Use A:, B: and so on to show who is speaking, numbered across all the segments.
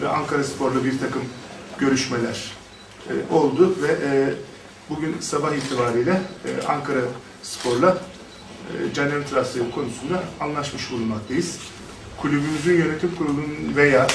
A: ve Ankaraspor'la bir takım görüşmeler oldu ve bugün sabah itibariyle Ankaraspor'la Caner'in transferi konusunda anlaşmış bulunmaktayız. Kulübümüzün yönetim kurulunun veya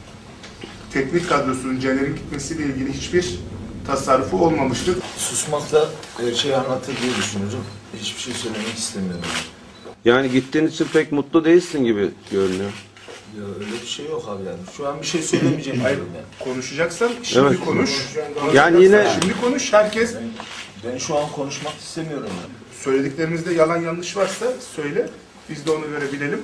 A: teknik kadrosunun Caner'in gitmesiyle ilgili hiçbir tasarrufu olmamıştır.
B: Susmakla her şeyi anlatır diye düşünüyorum. Hiçbir şey söylemek istemiyorum.
C: Yani gittiğin için pek mutlu değilsin gibi görünüyor.
B: Ya öyle bir şey yok abi yani. Şu an bir şey söylemeyeceğim diyorum yani.
A: Konuşacaksan şimdi
C: Evet.
A: konuş.
C: Yani yine
A: Şimdi konuş. Herkes
B: Ben şu an konuşmak istemiyorum yani.
A: söylediklerimizde yalan yanlış varsa söyle. Biz de ona göre bilelim.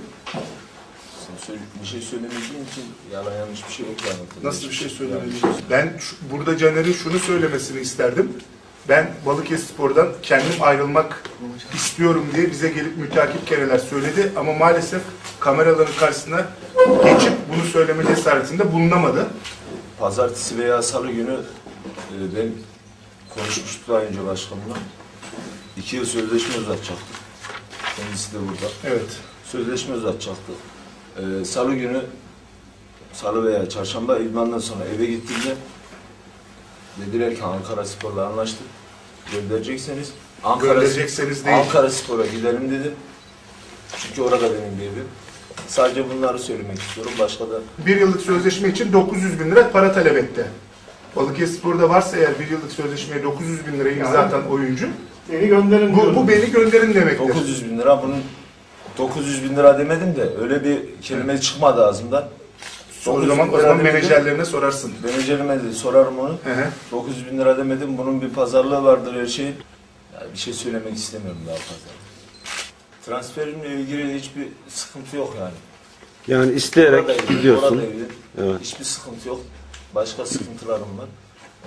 B: Bir şey söylemediğim için yalan yanlış bir şey yok yani.
A: Nasıl bir şey söylemeliyiz? Ben burada Caner'in şunu söylemesini isterdim. Ben Balıkesirspor'dan kendim ayrılmak istiyorum diye bize gelip müteakip kereler söyledi ama maalesef kameraların karşısına geçip bunu söyleme cesaretinde bulunamadı.
B: Pazartesi veya salı günü ben konuşmuştuk daha önce başkanımla. 2 yıl sözleşme uzatacaktık. Kendisi de burada.
A: Evet.
B: Sözleşme uzatacaktık. Salı günü, salı veya çarşamba idmandan sonra eve gittiğimde dediler ki Ankaraspor'la anlaştık. Gönderecekseniz Ankaraspor'a gidelim dedim. Çünkü orada benim bir evim. Sadece bunları söylemek istiyorum. Başka da...
A: 1 yıllık sözleşme için 900 bin lira para talep etti. Balıkesirspor'da varsa eğer 1 yıllık sözleşmeye 900 bin lirayı imza atan oyuncu,
D: beni gönderin
A: bu beni gönderin demektir.
B: 900 bin lira, bunun 900 bin lira demedim de öyle bir kelime çıkmadı ağzımdan.
A: O zaman menajerlerine sorarsın.
B: Menajerime de sorarım onu. 900 bin lira demedim, bunun bir pazarlığı vardır her şeyin. Yani bir şey söylemek istemiyorum daha fazla. Transferimle ilgili hiçbir sıkıntı yok yani.
C: yani isteyerek gidiyorsun.
B: Evet. Hiçbir sıkıntı yok. Başka sıkıntılarım var.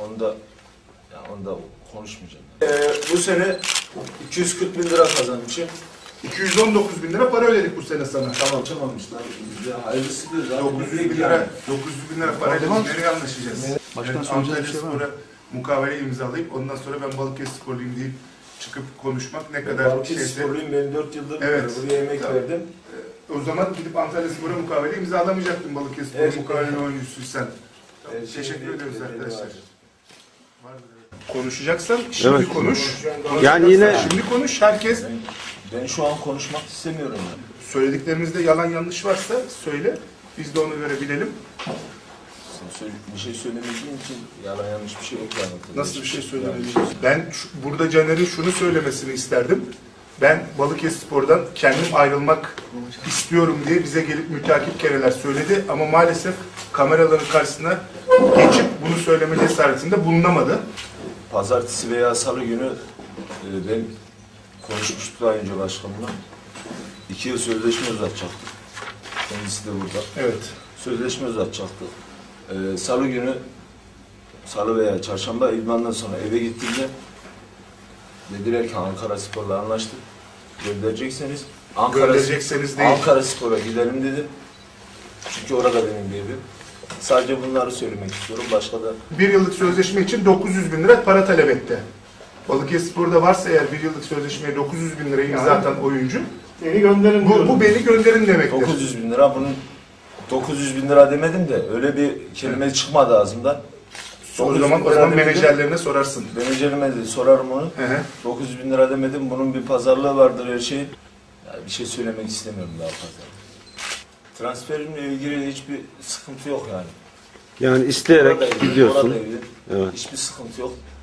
B: Onu da konuşmayacağım. Bu sene 240 bin lira kazanmışım.
A: 219 bin lira para ödedik bu sene sana.
B: Tamam işte. Hayırlısıdır.
A: 900 bin lira parayla biz nereye anlaşacağız?
D: Başkan söyleyeceği bir şey var mı?
A: Mukavele imzalayıp ondan sonra ben Balıkesirsporluyum deyip çıkıp konuşmak ne kadar
B: Balıkesirsporluyum, ben 4 yıldır buraya emek verdim.
A: O zaman gidip Antalyaspor'a mukavele imzalamayacaktın Balıkesirspor'un mukavele oyuncusuysan. Teşekkür ediyoruz arkadaşlar. Konuşacaksan şimdi konuş.
C: Yani yine
A: Şimdi konuş. Herkes
B: Ben şu an konuşmak istemiyorum yani.
A: söylediklerimizde yalan yanlış varsa söyle. Biz de ona göre bilelim.
B: Bir şey söylemediğim için yalan yanlış bir şey yok yani.
A: Nasıl bir şey söylemeliyiz? Ben burada Caner'in şunu söylemesini isterdim. Ben Balıkesirspor'dan kendim ayrılmak istiyorum diye bize gelip müteakip kereler söyledi ama maalesef kameraların karşısına geçip bunu söyleme cesaretinde bulunamadı.
B: Pazartesi veya salı günü ben konuşmuştuk daha önce başkanımla. 2 yıl sözleşme uzatacaktık. Kendisi de burada.
A: Evet.
B: Sözleşme uzatacaktık. Salı günü, salı veya çarşamba idmandan sonra eve gittiğimde dediler ki Ankaraspor'la anlaştık. Gönderecekseniz Ankaraspor'a gidelim dedim. Çünkü orada benim bir evim. Sadece bunları söylemek istiyorum. Başka da...
A: 1 yıllık sözleşme için 900 bin lira para talep etti. Balıkesirspor'da varsa eğer 1 yıllık sözleşmeye 900 bin lirayı imza atan oyuncu,
D: beni gönderin
A: bu beni gönderin demektir.
B: 900 bin lira, bunun 900 bin lira demedim de öyle bir kelime çıkmadı ağzımdan.
A: O zaman menajerlerine sorarsın.
B: Menajerime de sorarım onu. 900 bin lira demedim, bunun bir pazarlığı vardır her şeyin. Yani bir şey söylemek istemiyorum daha fazla. Transferimle ilgili hiçbir sıkıntı yok yani.
C: yani isteyerek gidiyorsun.
B: Hiçbir sıkıntı yok.